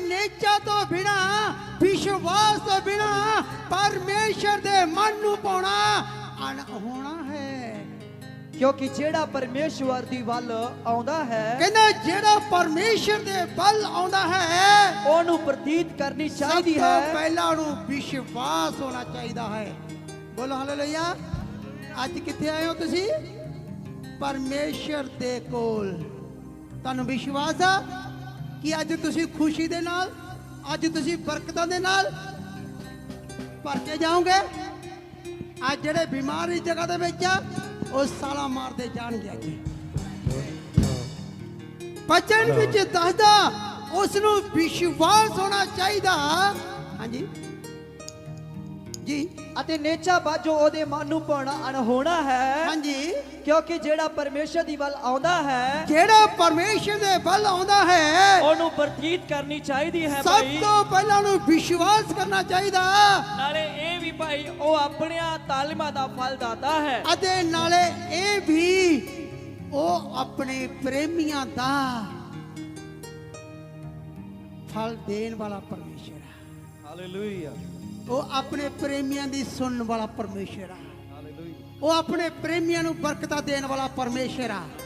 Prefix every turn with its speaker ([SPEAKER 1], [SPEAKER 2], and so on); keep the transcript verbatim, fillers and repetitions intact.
[SPEAKER 1] नेचा तो बिना विश्वास तो बिना परमेश्वर दे मन नू पाउणा अनहोना है।
[SPEAKER 2] क्योंकि जेड़ा परमेश्वर दी वल आउंदा है
[SPEAKER 1] कहंदा जेड़ा परमेश्वर दे वल आउंदा है
[SPEAKER 2] ओनू प्रतीत करनी चाहिदी
[SPEAKER 1] सब तो
[SPEAKER 2] है।
[SPEAKER 1] पहला ओनू विश्वास होना चाहिदा है। बोलो हालेलुया। अज किथे आए हो तुसी? परमेश्वर दे कोल। तुहानू विश्वास आ कि अज तुसी खुशी दे नाल अज तुसी बरकतां दे नाल भर के जाओगे? अज जेड़े बीमार इस जगह दे विच आ ਉਹ ਸਾਲਾ ਮਾਰਦੇ ਜਾਣਗੇ। ਅੱਜ ਬਚਨ ਵਿੱਚ ਦੱਸਦਾ ਉਸ ਨੂੰ ਵਿਸ਼ਵਾਸ ਹੋਣਾ ਚਾਹੀਦਾ। ਹਾਂਜੀ ਜੀ।
[SPEAKER 2] ਅਤੇ ਨੇਚਾ ਬਾਝੋਂ ਉਹਦੇ ਮਨ ਨੂੰ ਪਾਉਣਾ ਅਣਹੋਣਾ ਹੈ।
[SPEAKER 1] ਹਾਂਜੀ
[SPEAKER 2] ਕਿਉਂਕਿ ਜਿਹੜਾ ਪਰਮੇਸ਼ਰ ਦੀ ਵੱਲ ਆਉਂਦਾ ਹੈ
[SPEAKER 1] ਜਿਹੜਾ ਪਰਮੇਸ਼ਰ ਦੇ ਵੱਲ ਆਉਂਦਾ ਹੈ
[SPEAKER 2] ਉਹਨੂੰ ਪ੍ਰਤੀਤ ਕਰਨੀ ਚਾਹੀਦੀ ਹੈ।
[SPEAKER 1] ਸਭ ਤੋਂ ਪਹਿਲਾਂ ਉਹਨੂੰ ਵਿਸ਼ਵਾਸ ਕਰਨਾ ਚਾਹੀਦਾ।
[SPEAKER 2] ਨਾਲੇ ਇਹ ਵੀ ਭਾਈ ਉਹ ਆਪਣੀਆਂ ਤਾਲੀਮਾਂ ਦਾ ਫਲ ਦਾਤਾ ਹੈ
[SPEAKER 1] ਅਤੇ ਨਾਲੇ ਇਹ ਵੀ ਉਹ ਆਪਣੇ ਪ੍ਰੇਮੀਆਂ ਦਾ ਫਲ ਦੇਣ ਵਾਲਾ ਪਰਮੇਸ਼ਰ ਹੈ।
[SPEAKER 2] ਹਾਲੇਲੂਇਆ।
[SPEAKER 1] ਉਹ ਆਪਣੇ ਪ੍ਰੇਮੀਆਂ ਦੀ ਸੁਣਨ ਵਾਲਾ ਪਰਮੇਸ਼ਰ ਆ। ਉਹ ਆਪਣੇ ਪ੍ਰੇਮੀਆਂ ਨੂੰ ਬਰਕਤਾਂ ਦੇਣ ਵਾਲਾ ਪਰਮੇਸ਼ਰ ਆ।